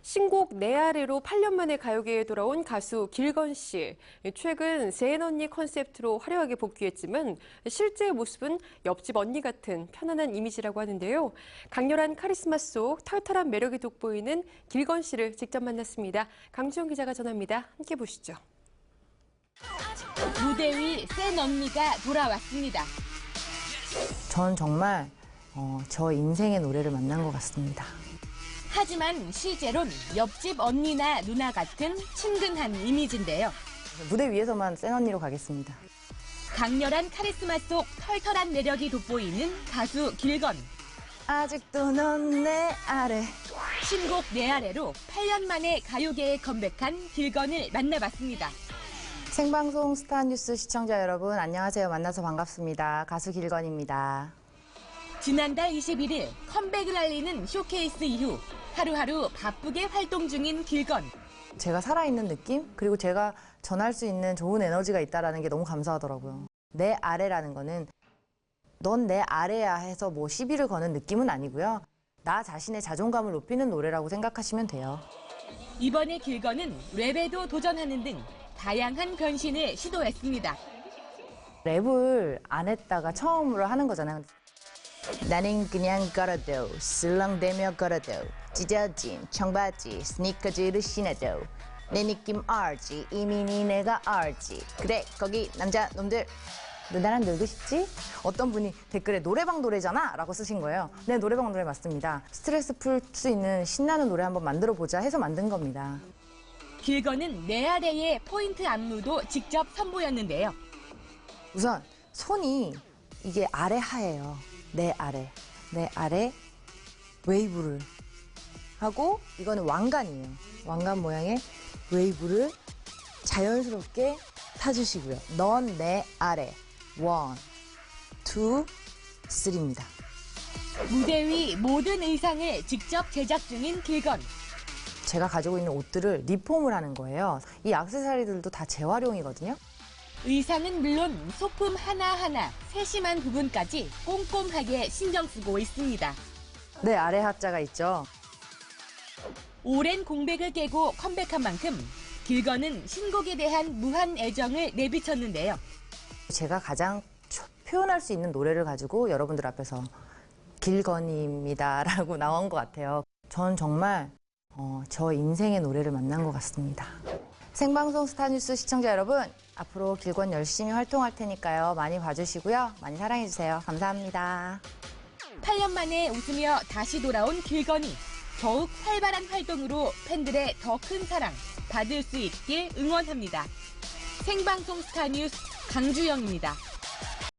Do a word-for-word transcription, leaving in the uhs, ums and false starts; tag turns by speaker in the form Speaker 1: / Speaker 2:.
Speaker 1: 신곡 내 아래로 팔 년 만에 가요계에 돌아온 가수 길건 씨. 최근 세은 언니 컨셉트로 화려하게 복귀했지만 실제 모습은 옆집 언니 같은 편안한 이미지라고 하는데요. 강렬한 카리스마 속 털털한 매력이 돋보이는 길건 씨를 직접 만났습니다. 강주영 기자가 전합니다. 함께 보시죠.
Speaker 2: 무대 위 센 언니가 돌아왔습니다.
Speaker 3: 전 정말 어, 저 인생의 노래를 만난 것 같습니다.
Speaker 2: 하지만 실제론 옆집 언니나 누나 같은 친근한 이미지인데요.
Speaker 3: 무대 위에서만 센 언니로 가겠습니다.
Speaker 2: 강렬한 카리스마 속 털털한 매력이 돋보이는 가수 길건.
Speaker 3: 아직도 넌 내 아래.
Speaker 2: 신곡 내 아래로 팔 년 만에 가요계에 컴백한 길건을 만나봤습니다.
Speaker 3: 생방송 스타뉴스 시청자 여러분 안녕하세요. 만나서 반갑습니다. 가수 길건입니다.
Speaker 2: 지난달 이십일 일 컴백을 알리는 쇼케이스 이후 하루하루 바쁘게 활동 중인 길건.
Speaker 3: 제가 살아있는 느낌? 그리고 제가 전할 수 있는 좋은 에너지가 있다는 게 너무 감사하더라고요. 내 아래라는 거는 넌 내 아래야 해서 뭐 시비를 거는 느낌은 아니고요. 나 자신의 자존감을 높이는 노래라고 생각하시면 돼요.
Speaker 2: 이번에 길건은 랩에도 도전하는 등 다양한 변신을 시도했습니다.
Speaker 3: 랩을 안 했다가 처음으로 하는 거잖아요. 나는 그냥 걸어도 슬렁대며 걸어도 찢어진 청바지 스니커즈를 신어도 내 느낌 알지 이미 니네가 알지 그래 거기 남자 놈들 너 나랑 놀고 싶지? 어떤 분이 댓글에 노래방 노래잖아 라고 쓰신 거예요. 네, 노래방 노래 맞습니다. 스트레스 풀 수 있는 신나는 노래 한번 만들어 보자 해서 만든 겁니다.
Speaker 2: 길건은 내 아래의 포인트 안무도 직접 선보였는데요.
Speaker 3: 우선 손이 이게 아래 하예요. 내 아래, 내 아래 웨이브를 하고 이거는 왕관이에요. 왕관 모양의 웨이브를 자연스럽게 타주시고요. 넌 내 아래, 원, 투, 쓰리입니다.
Speaker 2: 무대 위 모든 의상을 직접 제작 중인 길건.
Speaker 3: 제가 가지고 있는 옷들을 리폼을 하는 거예요. 이 액세서리들도 다 재활용이거든요.
Speaker 2: 의상은 물론 소품 하나하나 세심한 부분까지 꼼꼼하게 신경 쓰고 있습니다.
Speaker 3: 내 아래 하자가 있죠.
Speaker 2: 오랜 공백을 깨고 컴백한 만큼 길건은 신곡에 대한 무한 애정을 내비쳤는데요.
Speaker 3: 제가 가장 표현할 수 있는 노래를 가지고 여러분들 앞에서 길건입니다라고 나온 것 같아요. 전 정말 어, 저 인생의 노래를 만난 것 같습니다. 생방송 스타뉴스 시청자 여러분, 앞으로 길건 열심히 활동할 테니까요. 많이 봐주시고요. 많이 사랑해주세요. 감사합니다.
Speaker 2: 팔 년 만에 웃으며 다시 돌아온 길건이 더욱 활발한 활동으로 팬들의 더 큰 사랑 받을 수 있길 응원합니다. 생방송 스타뉴스 강주영입니다.